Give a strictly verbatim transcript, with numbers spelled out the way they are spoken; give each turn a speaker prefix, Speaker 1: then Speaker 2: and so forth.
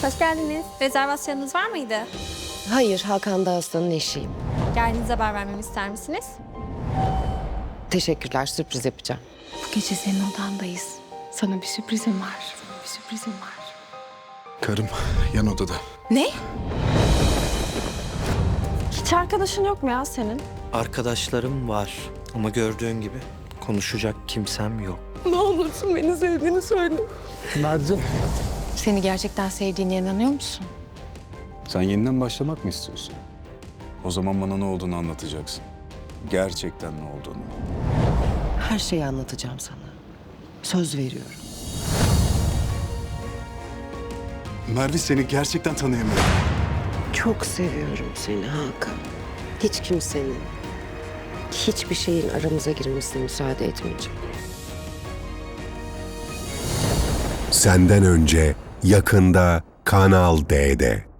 Speaker 1: Hoş geldiniz. Rezervasyonunuz var mıydı?
Speaker 2: Hayır, Hakan Dağıstan'ın eşiyim.
Speaker 1: Geldiğinizde haber vermemi ister misiniz?
Speaker 2: Teşekkürler, sürpriz yapacağım.
Speaker 3: Bu gece senin odandayız. Sana bir sürprizim var. Sana bir sürprizim var.
Speaker 4: Karım yan odada.
Speaker 3: Ne?
Speaker 1: Hiç arkadaşın yok mu ya senin?
Speaker 5: Arkadaşlarım var ama gördüğün gibi konuşacak kimsem yok.
Speaker 3: Ne olursun beni sevdiğini söyle.
Speaker 4: Mercan.
Speaker 3: Seni gerçekten sevdiğine inanıyor musun?
Speaker 4: Sen yeniden başlamak mı istiyorsun? O zaman bana ne olduğunu anlatacaksın. Gerçekten ne olduğunu.
Speaker 2: Her şeyi anlatacağım sana. Söz veriyorum.
Speaker 4: Merve, seni gerçekten tanıyamıyorum.
Speaker 2: Çok seviyorum seni Hakan. Hiç kimsenin, hiçbir şeyin aramıza girmesine müsaade etmeyeceğim.
Speaker 6: Senden önce yakında Kanal D'de.